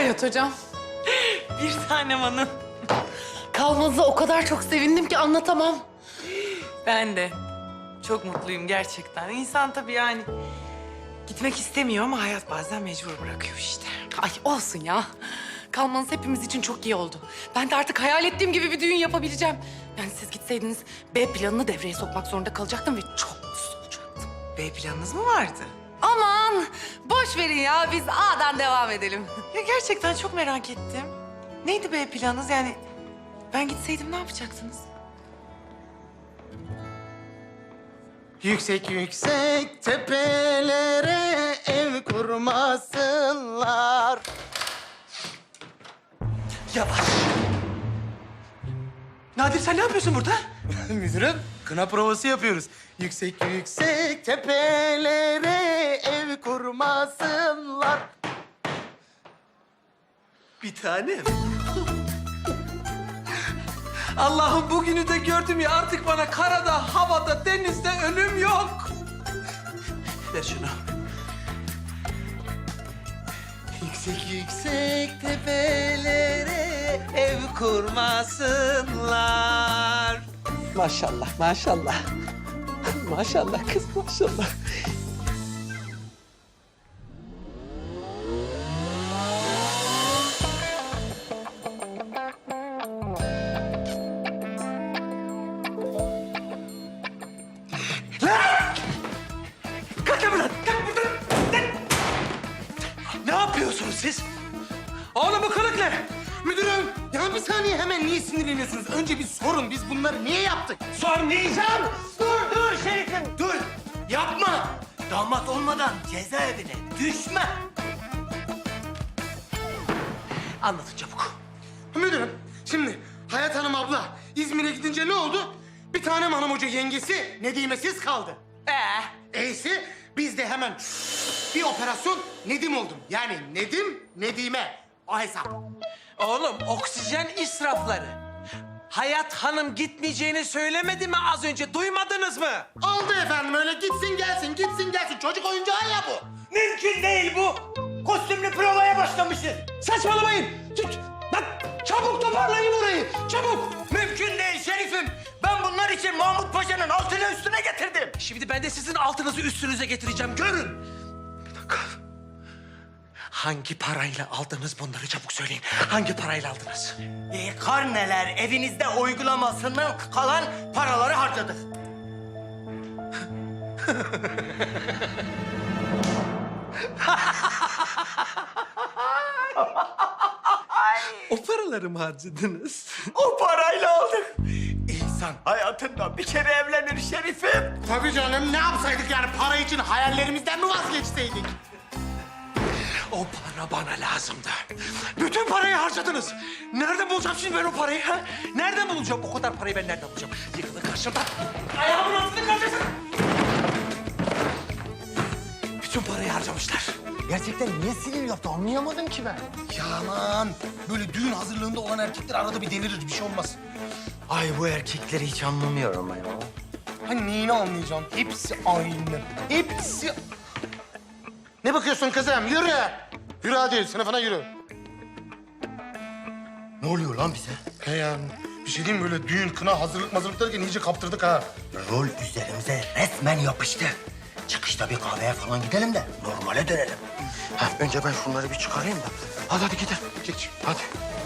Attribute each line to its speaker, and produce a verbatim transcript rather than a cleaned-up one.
Speaker 1: Hayat hocam.
Speaker 2: Bir tanem hanım.
Speaker 1: Kalmanıza o kadar çok sevindim ki anlatamam.
Speaker 2: Ben de çok mutluyum gerçekten. İnsan tabii yani gitmek istemiyor ama hayat bazen mecbur bırakıyor işte.
Speaker 1: Ay olsun ya. Kalmanız hepimiz için çok iyi oldu. Ben de artık hayal ettiğim gibi bir düğün yapabileceğim. Yani siz gitseydiniz B planını devreye sokmak zorunda kalacaktım ve çok mutsuz olacaktım.
Speaker 2: B planınız mı vardı?
Speaker 1: Aman boş verin ya, biz A'dan devam edelim.
Speaker 2: Ya gerçekten çok merak ettim. Neydi B planınız yani? Ben gitseydim ne yapacaktınız?
Speaker 3: Yüksek yüksek tepelere ev kurmasınlar.
Speaker 4: Yavaş. Nadir sen ne yapıyorsun burada?
Speaker 3: Müdürüm, kına provası yapıyoruz. Yüksek yüksek tepelere ev kurmasınlar.
Speaker 4: Bir tanem. Allah'ım bugünü de gördüm ya, artık bana karada, havada, denizde ölüm yok. Ver şunu.
Speaker 3: Yüksek yüksek tepelere ev kurmasınlar.
Speaker 4: Maşallah, maşallah. Maşallah kız, maşallah. Kalk lan buradan, kalk buradan. Lan! Ne yapıyorsunuz siz? Oğlum bu kılık ne?
Speaker 3: Müdürüm, ya bir saniye hemen niye sinirleniyorsunuz? Önce bir sorun, biz bunları niye yaptık?
Speaker 4: Sormayacağım.
Speaker 3: Dur, dur şerifim, dur. Yapma. Damat olmadan cezaevine düşme.
Speaker 4: Anlatın çabuk.
Speaker 3: Müdürüm, şimdi Hayat Hanım abla İzmir'e gidince ne oldu? Bir tane hanım hoca yengesi Nedimesiz kaldı. Ee? E'si biz de hemen bir operasyon Nedim oldum. Yani Nedim, Nedime. O hesap.
Speaker 4: Oğlum oksijen israfları. Hayat Hanım gitmeyeceğini söylemedi mi az önce? Duymadınız mı?
Speaker 3: Oldu efendim öyle gitsin gelsin, gitsin gelsin. Çocuk oyuncağı ya bu.
Speaker 5: Mümkün değil bu. Kostümlü provaya başlamışız.
Speaker 4: Saçmalamayın. Tut. Bak çabuk toparlayın orayı. Çabuk.
Speaker 5: Mümkün değil şerifim. Ben bunlar için Mahmut Paşa'nın altını üstüne getirdim.
Speaker 4: Şimdi ben de sizin altınızı üstünüze getireceğim. Görün. Bir dakika. Hangi parayla aldınız bunları çabuk söyleyin. Hangi parayla aldınız?
Speaker 5: E, karneler evinizde uygulamasından kalan paraları harcadık.
Speaker 4: O paraları mı harcadınız?
Speaker 5: O parayla aldık. İnsan hayatında bir kere evlenir şerifim.
Speaker 3: Tabii canım ne yapsaydık yani para için hayallerimizden mi vazgeçseydik?
Speaker 4: O para bana lazımdı. Bütün parayı harcadınız. Nereden bulacağım şimdi ben o parayı? Ha? Nereden bulacağım? O kadar parayı ben nereden bulacağım? Yıkılın karşımdan. Ayağımın altını kaldırsın. Bütün parayı harcamışlar.
Speaker 3: Gerçekten niye sinir yaptı anlayamadım ki ben. Ya aman böyle düğün hazırlığında olan erkekler arada bir delirir bir şey olmaz.
Speaker 5: Ay bu erkekleri hiç anlamıyorum ben ya.
Speaker 3: Hani neyini anlayacağım? Hepsi aynı. Hepsi... Ne bakıyorsun kızım? Yürü. Yürü hadi sınıfına yürü.
Speaker 5: Ne oluyor lan bize?
Speaker 3: He ya bir şey diyeyim mi? Böyle düğün, kına, hazırlık mazırlık derken iyice kaptırdık ha.
Speaker 5: Rol üzerimize resmen yapıştı. Çıkışta bir kahveye falan gidelim de normale dönelim.
Speaker 3: Ha, önce ben şunları bir çıkarayım da. Hadi hadi gidelim. Geç hadi.